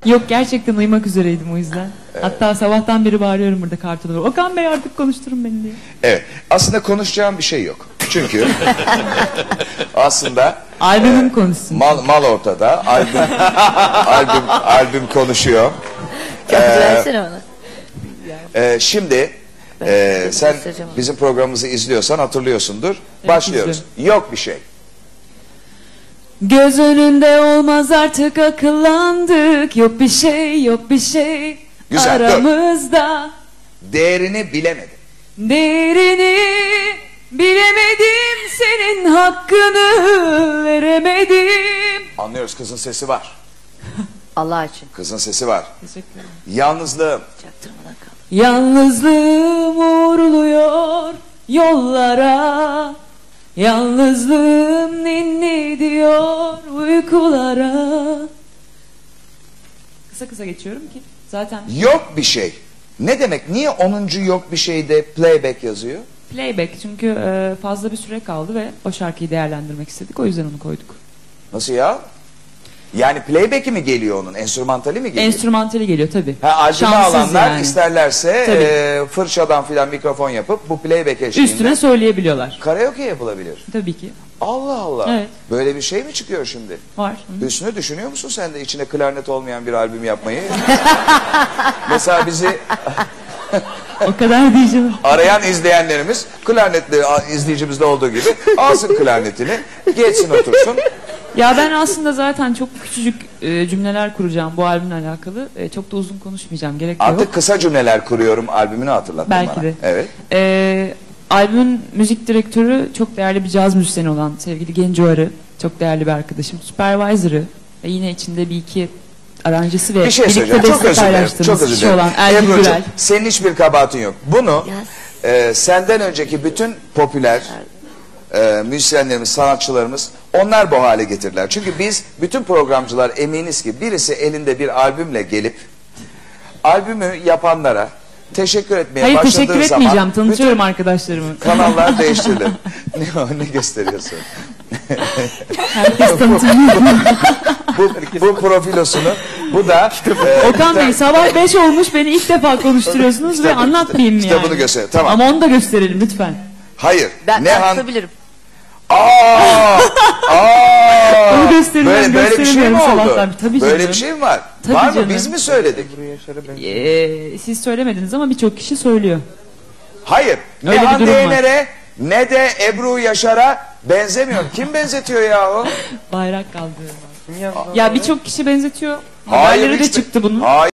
Yok, gerçekten uyumak üzereydim o yüzden. Evet. Hatta sabahtan beri bağırıyorum burada kartonu. Okan Bey artık konuşturun beni diye. Evet. Aslında konuşacağım bir şey yok. Çünkü aslında albümün konuşsun. Mal ortada. Albüm konuşuyor. Versene onu. Şimdi sen bizim programımızı izliyorsan hatırlıyorsundur. Evet, başlıyoruz. İzliyorum. Yok bir şey. Göz önünde olmaz artık, akıllandık. Yok bir şey, yok bir şey. Güzel, aramızda. Dur. Değerini bilemedim. Değerini bilemedim, senin hakkını veremedim. Anlıyoruz, kızın sesi var. Allah için. Kızın sesi var. Teşekkür ederim. Yalnızlığım. Çaktırmadan kal. Yalnızlığım uğurluyor yollara. Yalnızlığım ninni diyor uykulara. Kısa kısa geçiyorum ki zaten. Yok bir şey. Ne demek? Niye 10. yok bir şeyde playback yazıyor? Playback çünkü fazla bir süre kaldı ve o şarkıyı değerlendirmek istedik. O yüzden onu koyduk. Nasıl ya? Yani playback'i mi geliyor onun? Enstrümantali mi geliyor? Enstrümantali geliyor tabii. Albüme alanlar yani isterlerse fırçadan filan mikrofon yapıp bu playback eşliğinde üstüne söyleyebiliyorlar. Karaoke yapılabilir. Tabii ki. Allah Allah. Evet. Böyle bir şey mi çıkıyor şimdi? Var. Hüsnü, düşünüyor musun sen de içine klarnet olmayan bir albüm yapmayı? Mesela bizi o kadar diyeceğim. Arayan izleyenlerimiz klarnetli izleyicimizde olduğu gibi alsın klarnetini, geçsin otursun. Ya ben aslında zaten çok küçücük cümleler kuracağım bu albümle alakalı. Çok da uzun konuşmayacağım. Gerek yok. Artık kısa cümleler kuruyorum albümünü hatırlattın belki bana. De. Evet. Albümün müzik direktörü çok değerli bir caz müzisyeni olan sevgili Genco Arı. Çok değerli bir arkadaşım. Supervisor'ı ve yine içinde bir iki aranjesi ve bir şey birlikte beste paylaştığımız kişi olan Ergin Gürel. Senin hiçbir kabahatin yok. Bunu senden önceki bütün popüler müzisyenlerimiz, sanatçılarımız onlar bu hale getirdiler. Çünkü biz bütün programcılar eminiz ki birisi elinde bir albümle gelip albümü yapanlara teşekkür etmeye hayır, başladığı teşekkür zaman etmeyeceğim. Tanıtıyorum arkadaşlarımı. Kanallar değiştirilir. Ne gösteriyorsun? Herkes tanıtıyor. bu profilosunu bu da Okan Bey sabah 5 olmuş, beni ilk defa konuşturuyorsunuz ve anlatmayayım yani. Kitabını göster. Tamam. Ama onu da gösterelim lütfen. Hayır. Ben tutabilirim. Onu gösteriyorum, böyle bir şey mi oldu? Sabahtan. Tabii böyle canım. bir şey mi var? Tabii var mı? canım. Biz mi söyledik? Siz söylemediniz ama birçok kişi söylüyor. Hayır. Ne Öyle bir Hande durum var. Yener'e ne de Ebru Yaşar'a benzemiyor. Kim benzetiyor ya o? Bayrak kaldırıyor. Ya birçok kişi benzetiyor. Hayır, Haberleri de çıktı bunun. Hayır.